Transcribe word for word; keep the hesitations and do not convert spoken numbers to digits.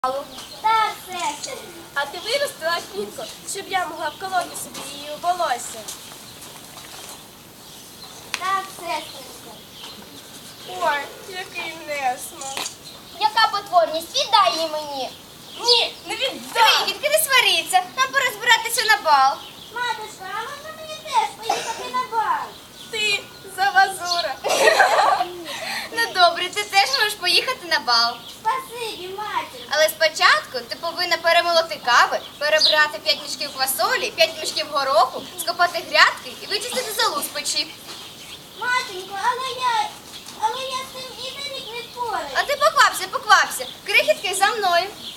Так, сестро. А ти виростила квітку, щоб я могла вколоти собі її у волосся. Так, сестринко. Ой, який несмак. Яка потворність? Віддай її мені. Ні, не віддам. Крихітки, не сваріться. Нам пора збиратися на бал. Матушка, а можна мені теж поїхати на бал? Ти завазура. Ну добре, ти теж можеш поїхати на бал. Спасибі, матір. Але спочатку ти повинна перемолоти кави, перебрати п'ять мішків квасолі, п'ять мішків гороху, скопати грядки і вичистити золу з печі. Матінко, але я, але я з цим і на рік не впораюсь. А ти поквапся, поквапся. Крихітки за мною.